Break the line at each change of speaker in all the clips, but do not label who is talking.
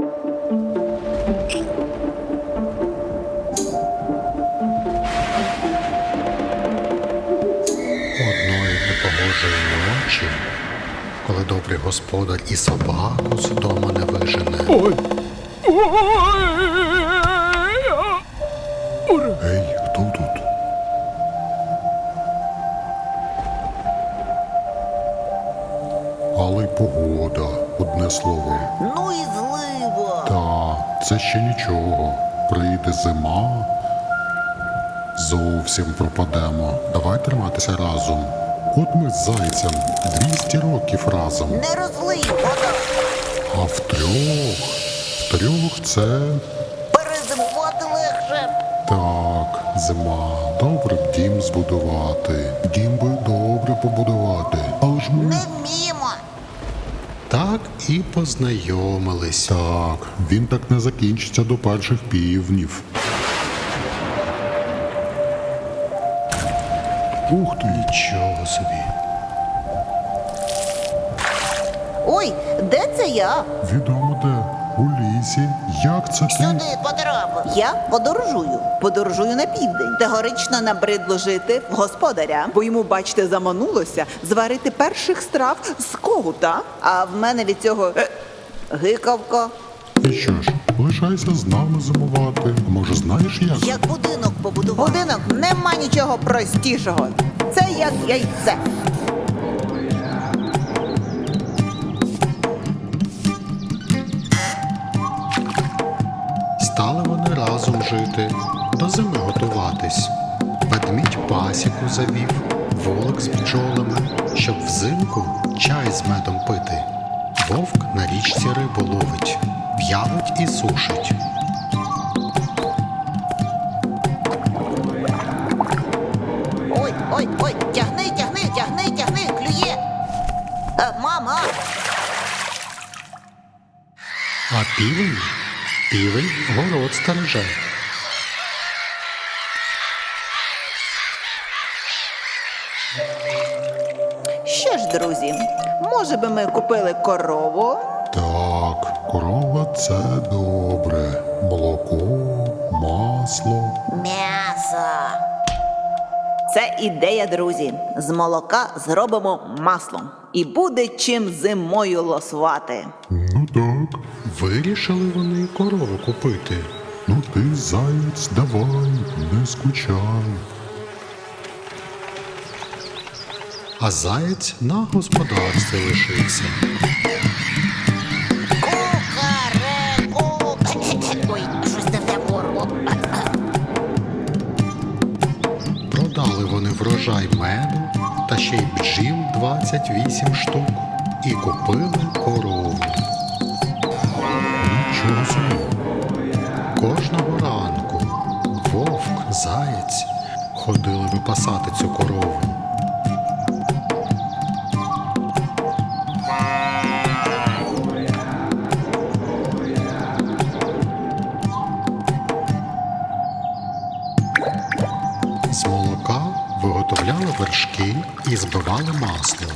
Одної непогожої ночі, коли добрий господар і собаку з дому не вижене.
Ой!
Ей, хто тут? Але й погода, одне слово.
Ну і злива.
Та, це ще нічого. Прийде зима, зовсім пропадемо. Давай триматися разом. От ми з зайцем 200 років разом.
Не розлий вода.
А втрьох це...
Перезимувати легше.
Так, зима. Добре б дім збудувати. Дім би добре побудувати. Але ж ми...
Не вміємо.
Так і познайомились. Так, він так не закінчиться до перших півнів. Ух ти! Нічого собі.
Ой, де це я?
Відомо де. У лісі. Як це ти?
Сюди потрапив. Я подорожую. Подорожую на південь. Тегорично набридло жити в господаря, бо йому, бачите, заманулося зварити перших страв з когута. А в мене від цього гикавка.
І що ж, лишайся з нами зимувати. Може, знаєш як?
Як будинок побудував. Будинок нема нічого простішого. Це як яйце.
Стали вони разом жити, до зими готуватись. Ведмідь пасіку завів, волок з бджолами, щоб взимку чай з медом пити. Вовк на річці рибу ловить, в'явить і сушить.
Ой, ой, ой, тягни, клює. Мама.
А півень город стереже.
Що ж, друзі, може би ми купили корову?
Так, корова це добре. Молоко, масло.
М'ясо. Це ідея, друзі. З молока зробимо масло. І буде чим зимою лосувати.
Ну так. Вирішили вони корову купити. Ну ти, заєць, давай, не скучай. А заєць на господарстві лишився.
Кукареку. Ой, щось не в те горло.
Продали вони врожай меду та ще й бджіл 28 штук і купили корову. Нічого собі. Кожного ранку вовк, заєць ходили випасати цю корову. З молока виготовляли вершки і збивали масло.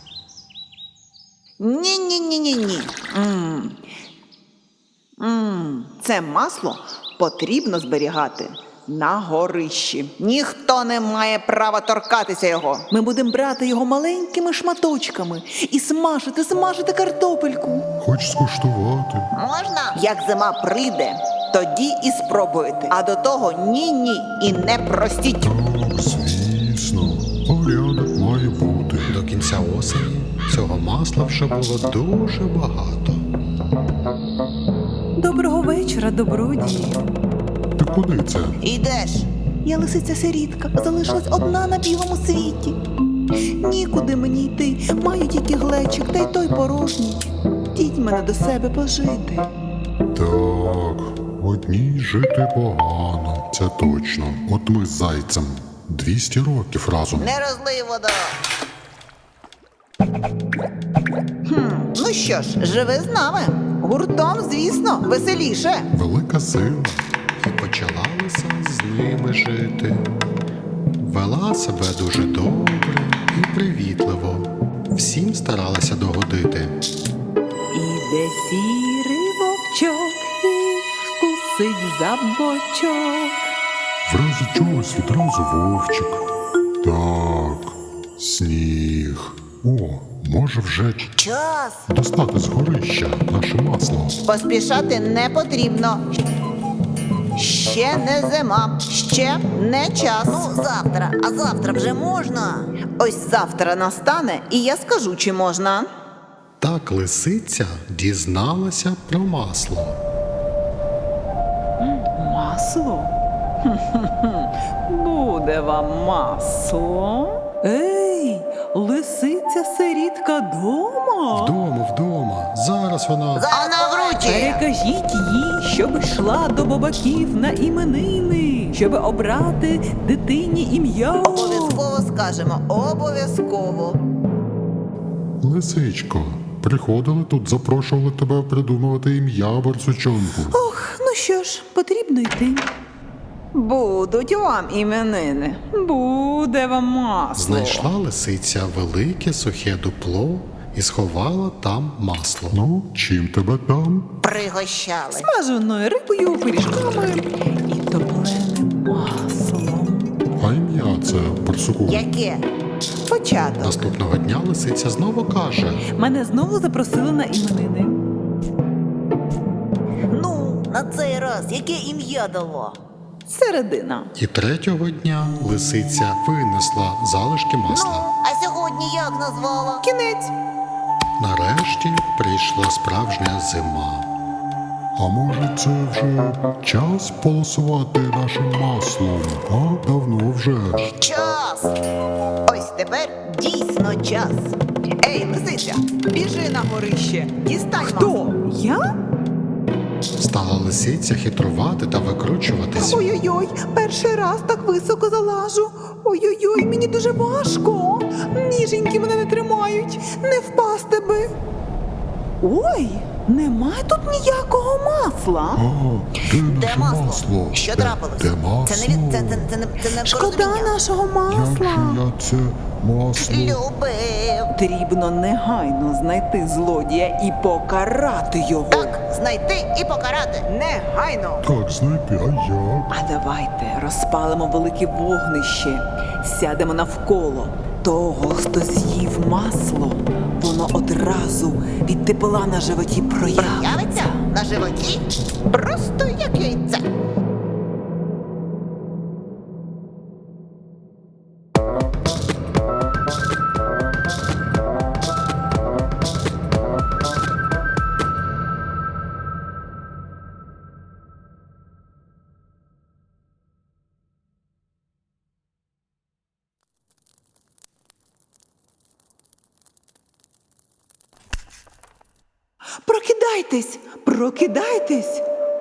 Ні-ні-ні-ні-ні. Це масло потрібно зберігати на горищі. Ніхто не має права торкатися його. Ми будемо брати його маленькими шматочками і смажити картопельку.
Хоч скуштувати.
Можна? Як зима прийде, тоді і спробуйте. А до того ні-ні і не простіть.
Так, звісно, порядок має бути. До кінця осені цього масла вже було дуже багато.
Доброго вечора, добродії.
Ти куди це?
Ідеш.
Я лисиця-сирітка, залишилась одна на білому світі. Нікуди мені йти, маю тільки глечик, та й той порожній. Діть мене до себе пожити.
Так, одній жити погано, це точно. От ми з зайцем 200 років разом.
Не розлий вода. Ну що ж, живи з нами. Гуртом, звісно, веселіше.
Велика сила. І почала лиса з ними жити. Вела себе дуже добре і привітливо. Всім старалася догодити.
Іде сірий вовчок трусить за бочок.
В разі чогось відразу вовчик. Так, сніг. О, може вже
Час!
достати з горища наше масло.
Поспішати не потрібно. Ще не зима, ще не час.
Ну, завтра, а завтра вже можна.
Ось завтра настане, і я скажу, чи можна.
Так лисиця дізналася про масло.
Масло? Буде вам масло. Ей, лисиця сирітка дома?
Вдома, зараз вона.
Вона вручі.
Перекажіть їй, щоб йшла до бабаків на іменини, щоб обрати дитині ім'я.
Обов'язково скажемо, обов'язково.
Лисичко, приходили тут, запрошували тебе придумувати ім'я барсучонку.
Ох, ну що ж, потрібно йти. Будуть вам іменини, буде вам масло.
Знайшла лисиця велике сухе дупло і сховала там масло.
Ну, чим тебе там?
Пригощали.
Смаженою рибою, пиріжками і топленим маслом.
А ім'я це барсуку.
Яке?
Початок.
Наступного дня лисиця знову каже:
Мене знову запросили на іменини.
Ну, на цей раз яке ім'я дало?
Середина.
і третього дня лисиця винесла залишки
Ну,
масла.
а сьогодні як назвала?
Кінець.
Нарешті прийшла справжня зима.
А може це вже час полосувати нашим маслом? А давно вже.
Час.
Ось тепер дійсно час. Ей, лисиця, біжи на горище, дістань масло.
Хто? Я?
Стала лисиця хитрувати та викручуватись.
Ой-ой-ой, перший раз так високо залажу. Ой-ой-ой, мені дуже важко. Ніженьки мене не тримають, не впасти би. Ой, немає тут ніякого масла.
А, де наше
масло?
масло?
Що
Де-
трапилось?
Де масло?
Це не
Шкода
порозуміння.
нашого
Як
масла.
же я це масло?
Любив.
Потрібно негайно знайти злодія і покарати його.
Так, знайти і покарати.
Негайно.
Так, знайти, а як?
А давайте розпалимо велике вогнище, сядемо навколо того, хто з'їв масло, воно одразу від тепла на животі
Явиться
проявиться.
на животі просто як яйце.
Прокидайтесь, прокидайтесь.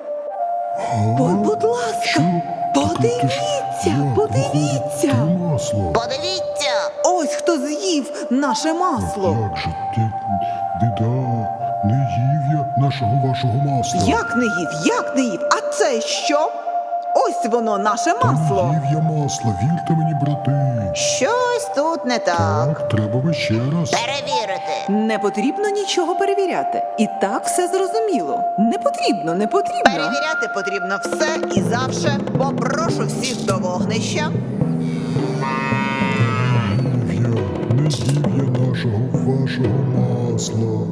Будь ласка,
Що?
подивіться,
Як
подивіться.
виходить, ти масло?
Подивіться.
Ось хто з'їв наше масло.
Як же ти, біда, не їв я нашого вашого масла.
Як не їв, як не їв? А це що? Ось воно, наше
Та не
масло.
їв я масло, вірте мені, брати.
Щось тут не так.
Так, треба би ще раз.
Перевірити.
Не потрібно нічого перевіряти. І так все зрозуміло. Не потрібно, не потрібно.
Перевіряти потрібно все і завше. Попрошу всіх до вогнища.
Не їв я нашого вашого масла.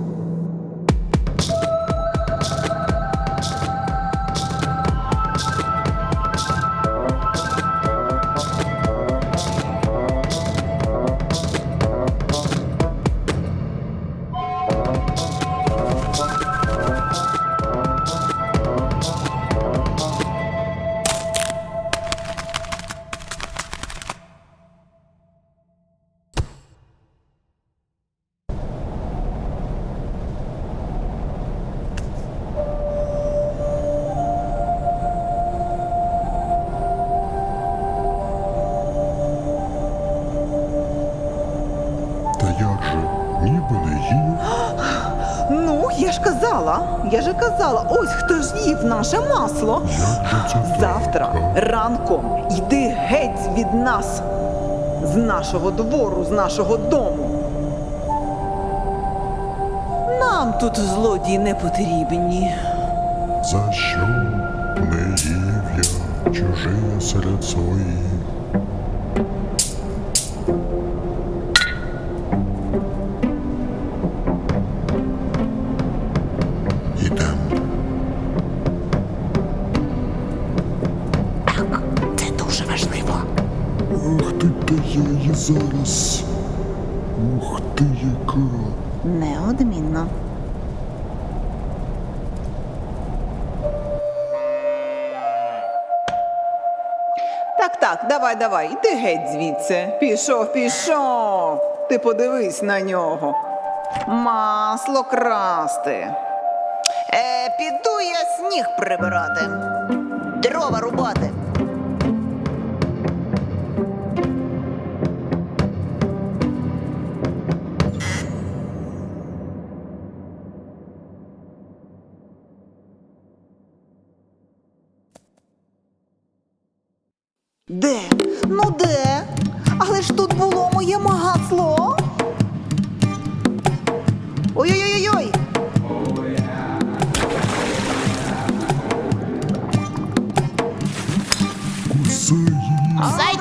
Та як же, ніби не їв.
Ну, я ж казала, ось хто ж їв наше масло.
Як же це так?
Завтра ранком йди геть від нас, з нашого двору, з нашого дому.
Нам тут злодії не потрібні.
За що? Не їв я чужие серед своїх.
Ідем.
Це дуже важливо.
Ах ти, та я її зараз. Ух ти, яка.
Неодмінно.
Так, давай, іди геть звідси. Пішов. Ти подивись на нього. Масло красти.
Піду я сніг прибирати. Дрова рубати.
Де? Ну де? Але ж тут було моє масло. Ой-ой-ой-ой!
Кусай її.
Зайду